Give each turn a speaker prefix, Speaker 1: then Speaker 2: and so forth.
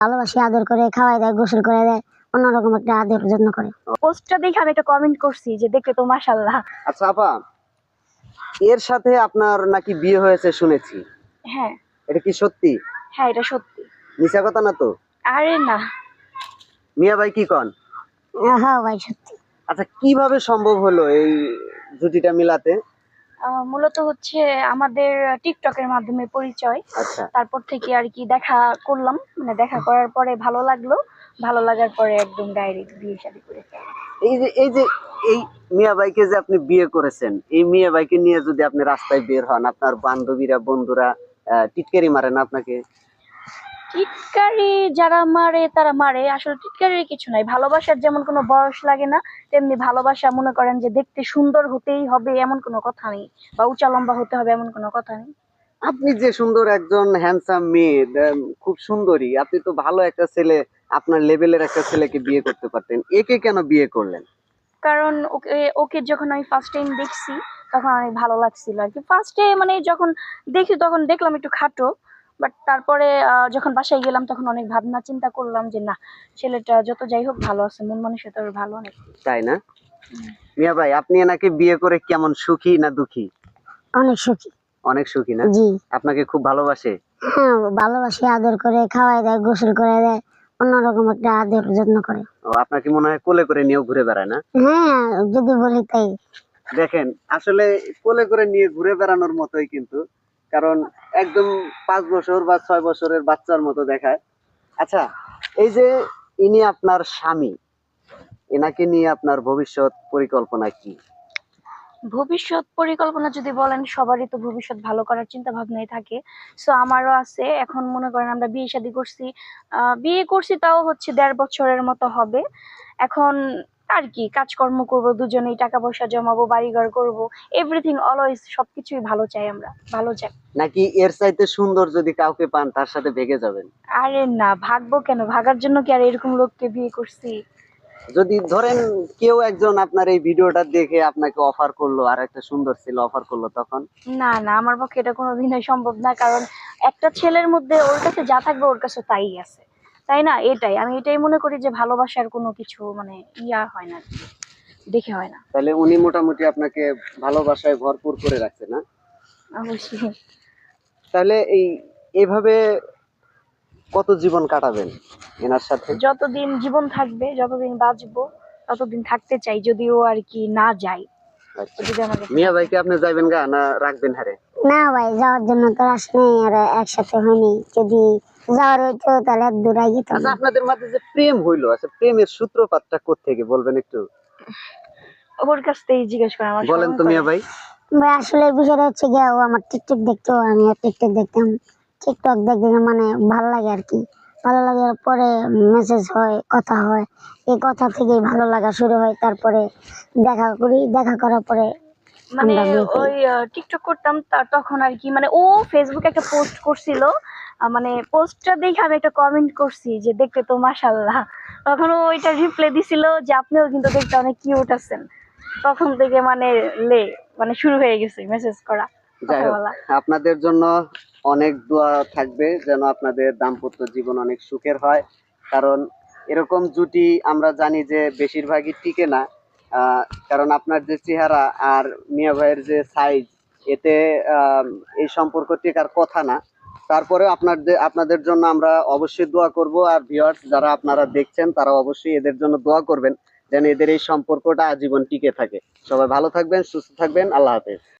Speaker 1: ভালোবাসে, আদর করে, খাওয়াই দেয়, গোসল করে দেয়, অন্যরকম একটা আদর যত্ন করে।
Speaker 2: পোস্টটা দেখে আমি একটা কমেন্ট করছি যে দেখতে তো মাশাআল্লাহ।
Speaker 3: আচ্ছা আপা, এর সাথে আপনার নাকি বিয়ে হয়েছে শুনেছি,
Speaker 2: হ্যাঁ
Speaker 3: এটা কি সত্যি?
Speaker 2: হ্যাঁ, এটা সত্যি।
Speaker 3: মিছা কথা না তো?
Speaker 2: আরে না,
Speaker 3: মিয়া ভাই কি কন?
Speaker 1: হ্যাঁ ভাই, সত্যি।
Speaker 3: আচ্ছা, কিভাবে সম্ভব হলো এই জুটিটা মিলাতে?
Speaker 2: মূলত হচ্ছে আমাদের টিকটকের মাধ্যমে পরিচয়।
Speaker 3: আচ্ছা,
Speaker 2: তারপর থেকে আর কি দেখা করলাম, মানে দেখা করার পরে ভালো লাগলো, ভালো লাগার পরে একদম ডাইরেক্ট বিয়ে শাদী করে ফেললাম।
Speaker 3: এই যে এই মিয়া ভাইকে যে আপনি বিয়ে করেছেন, এই মিয়া ভাইকে নিয়ে যদি আপনি রাস্তায় বের হন, আপনার বান্ধবীরা বন্ধুরা টিটকারি মারে না আপনাকে?
Speaker 2: টিটকারি যারা মারে তারা মারে, আসলে টিটকারির কিছু নাই। ভালোবাসার যেমন কোনো বয়স লাগে না, তেমনি ভালোবাসা মনে করেন যে দেখতে সুন্দর হতেই হবে এমন কোনো কথা নেই, বা উঁচা লম্বা হতে হবে এমন কোনো কথা নেই।
Speaker 3: আপনি যে সুন্দর একজন হ্যান্ডসাম মেয়ে, খুব সুন্দরী, আপনি তো ভালো একটা ছেলে, আপনার লেভেলের একটা ছেলেকে বিয়ে করতে পারতেন, একে কেন বিয়ে করলেন?
Speaker 2: কারণ ওকে ওকে যখন আমি ফার্স্ট টাইম দেখছি তখন অনেক ভালো লাগছিল আর কি। ফার্স্টে মানে যখন দেখি তখন দেখলাম একটু খাটো, বাট তারপরে যখন বাসায় গেলাম তখন অনেক ভাবনা চিন্তা করলাম যে না, ছেলেটা যত যাই হোক ভালো আছে, মন মানসিকতা ওর ভালো অনেক।
Speaker 3: তাই না? মিয়া ভাই, আপনি এনাকে বিয়ে করে কেমন, সুখী না দুঃখী?
Speaker 1: অনেক সুখী।
Speaker 3: অনেক সুখী না?
Speaker 1: জি।
Speaker 3: আপনাকে খুব ভালোবাসে?
Speaker 1: হ্যাঁ, ভালোবাসে, আদর করে, খাওয়াই দেয়, গোসল করে দেয়, অন্যরকম একটা আদর যত্ন করে।
Speaker 3: ও, আপনাকে মনে হয় কোলে করে নিয়েও ঘুরে বেড়ায় না?
Speaker 1: হ্যাঁ, যদি বলি তাই।
Speaker 3: দেখেন, আসলে কোলে করে নিয়ে ঘুরে বেড়ানোর মতোই কিন্তু, কারণ একদম 5 বছর বা 6 বছরের বাচ্চার মতো দেখায়। আচ্ছা, এই যে ইনি আপনার স্বামী, এনাকে নিয়ে আপনার ভবিষ্যৎ পরিকল্পনা কি?
Speaker 2: ভবিষ্যৎ পরিকল্পনা যদি বলেন, সবারই তো ভবিষ্যৎ ভালো করার চিন্তা ভাবনাই থাকে। সো আমারও আছে। এখন মনে করেন আমরা বিয়ে শাদী করছি, বিয়ে করছি তাও হচ্ছে 1.5 বছরের মতো হবে। এখন আর কি কাজকর্ম করব, দুজনেই টাকা পয়সা জমাবো, বাড়িঘর করব, এভরিথিং অলওয়েজ সবকিছুই ভালো চাই, আমরা ভালো চাই।
Speaker 3: নাকি এর চাইতে সুন্দর যদি কাউকে পান তার সাথে ভেগে যাবেন?
Speaker 2: আরে না, ভাগবো কেন? ভাগার জন্য কি আর এরকম লোককে বিয়ে করছি?
Speaker 3: যদি ধরেন কেউ একজন আপনার এই ভিডিওটা দেখে আপনাকে অফার করলো, আর একটা সুন্দর ছেলে অফার করলো, তখন?
Speaker 2: না না, আমার পক্ষে এটা কোনোদিনই সম্ভব না। কারণ একটা ছেলের মধ্যে ওর কাছে যা থাকবে ওর কাছে তাই আছে, তাই না? এটাই আমি এটাই মনে করি যে ভালোবাসার কোনো কিছু মানে ইয়া হয় না, দেখে হয় না।
Speaker 3: তাহলে উনি মোটামুটি আপনাকে ভালোবাসায় ভরপুর করে রাখছে না?
Speaker 2: অবশ্যই।
Speaker 3: তাহলে এভাবে কত জীবন কাটাবেন এনার সাথে?
Speaker 2: যতদিন জীবন থাকবে, যতদিন বাঁচবো ততদিন থাকতে চাই, যদিও আর কি না যাই।
Speaker 3: আচ্ছা,
Speaker 2: যদি আমার কাছে
Speaker 3: মিয়া
Speaker 2: থাকে।
Speaker 3: ভাইকে আপনি যাইবেন গা না রাখবেন হারে?
Speaker 1: না ভাই, যাওয়ার জন্য তো আসলে আর একসাথে হয়নি। যদি যাওয়ার হইতো তাহলে এক দূর আগে যেতাম
Speaker 3: আচ্ছা,
Speaker 1: না।
Speaker 3: আপনাদের মাঝে যে প্রেম হইলো, আচ্ছা প্রেমের সূত্রপাতটা কোত্থেকে বলবেন একটু?
Speaker 2: ওর কাছ থেকেই জিজ্ঞেস করে, আমার
Speaker 3: বলেন
Speaker 2: স্মরণ
Speaker 3: তো
Speaker 2: করে।
Speaker 3: মিয়া ভাই।
Speaker 1: ভাই আসলে বিষয়টা হচ্ছে গিয়ে, ও আমার টিকটক দেখতো, আমিও টিকটক দেখতাম। টিকটক দেখতে মানে ভালো লাগে আর কি। ভালো লাগার পরে মেসেজ হয়, কথা হয়। এই কথা থেকেই ভালো লাগা শুরু হয়। তারপরে দেখা করি, দেখা করার পরে
Speaker 2: মানে
Speaker 1: আমরা বিয়ে করি।
Speaker 2: ওই টিকটক করতাম তখন আর কি, মানে ও ফেসবুকে একটা পোস্ট করছিল, মানে পোস্টটা দেখে আমি একটা কমেন্ট করছি যে দেখতে তো মাশাআল্লাহ। তখন ও ওইটা রিপ্লাই দিছিল যে আপনিও কিন্তু দেখতে অনেক কিউট আছেন। তখন থেকে মানে লে মানে শুরু হয়ে গেছে মেসেজ করা,
Speaker 3: যাই
Speaker 2: কথা
Speaker 3: হোক,
Speaker 2: বলা।
Speaker 3: আপনাদের জন্য অনেক দোয়া থাকবে যেন আপনাদের দাম্পত্য জীবন অনেক সুখের হয়। কারণ এরকম জুটি আমরা জানি যে বেশিরভাগই টিকে না। আহ, কারণ আপনার যে চেহারা আর মিয়া ভাইয়ের যে সাইজ, এতে এই সম্পর্ক টিকার কথা না। তারপরে আপনাদের জন্য আমরা অবশ্যই দোয়া করব, আর ভিউয়ার্স যারা আপনারা দেখছেন তারা অবশ্যই এদের জন্য দোয়া করবেন যেন এদের এই সম্পর্কটা আজীবন টিকে থাকে। সবাই ভালো থাকবেন, সুস্থ থাকবেন, আল্লাহ হাফেজ।